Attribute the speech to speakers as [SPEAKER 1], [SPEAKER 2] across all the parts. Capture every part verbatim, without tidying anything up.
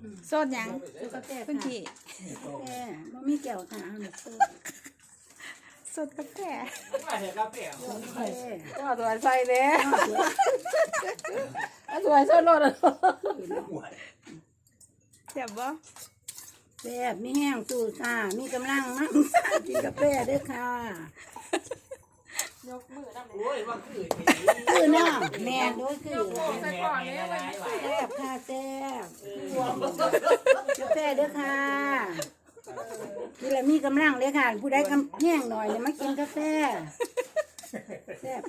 [SPEAKER 1] โซดยัง
[SPEAKER 2] กาแฟ
[SPEAKER 1] พื้นที่
[SPEAKER 2] กาแฟบ่มีแก้วค่ะเอาหนึ่งโซด
[SPEAKER 1] โซดกาแฟ
[SPEAKER 3] มาเถอะกาแฟ
[SPEAKER 2] กาแฟ
[SPEAKER 1] ก็สวยใส่เลยสวยโซดรถเจ็บบ่
[SPEAKER 2] แซ่บมีแห้งสู้ซ่ามีกำลังมั่งกินกาแฟเด้อค่ะ
[SPEAKER 3] โอ้ยว่าคือ
[SPEAKER 2] คือเนาะแม่นด้วยคือ
[SPEAKER 3] แม่แม่อะไรวะ
[SPEAKER 2] แซ่บค่ะแซ่บกาแฟเด้อค่ะกินแล้วมีกำลังเลยค่ะ ผู้ใดกำแห้งหน่อยเนี่ยมากินกาแฟแซ่บ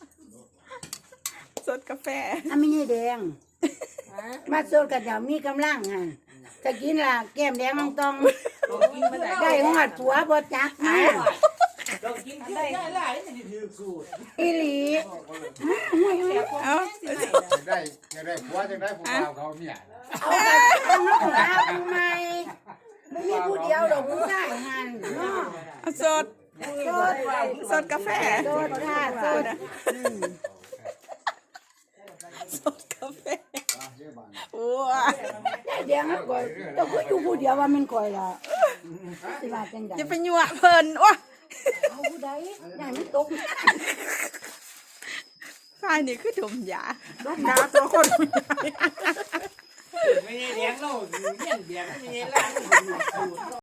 [SPEAKER 1] โซดกาแฟ
[SPEAKER 2] อ่ะไม่ใช่แดงมาโซดกันเดี๋ยวมีกำลังอ่ะจะกินล่ะแก้มแดงต้องต้องได้หอดผัวบ่จักมา
[SPEAKER 3] เรากินได้หลายนี่ถือสูตร
[SPEAKER 2] อีหลี
[SPEAKER 1] เอา
[SPEAKER 4] จะได้จะได้ผัวจะได้ผู้บ่าวเขาเนี่ย
[SPEAKER 2] เอาไปเอามาของเราทำไมไม่มีผู้เดียวหรอกผู้ชายหันเนาะ
[SPEAKER 1] เอาโซด
[SPEAKER 2] โซด
[SPEAKER 1] โซดกาแฟ
[SPEAKER 2] โซดค่ะโซดอืม
[SPEAKER 1] โซดกาแฟโอ้ย
[SPEAKER 2] เดี๋ยวนะก่อยต้องคุยอยู่ผู้เดียวว่ามันก่อยล่ะสิว่าจังได๋
[SPEAKER 1] จะไปยั่วเพิ่นว้า
[SPEAKER 2] เอาผู้ใดอย่างนี้ตก
[SPEAKER 1] ฝ่ายนี่คือดมยาดมยาตัวคน
[SPEAKER 3] ไม่ใช่เลี้ยงเราเลี้ยงเลี้ยงไม่ใช่ร้าน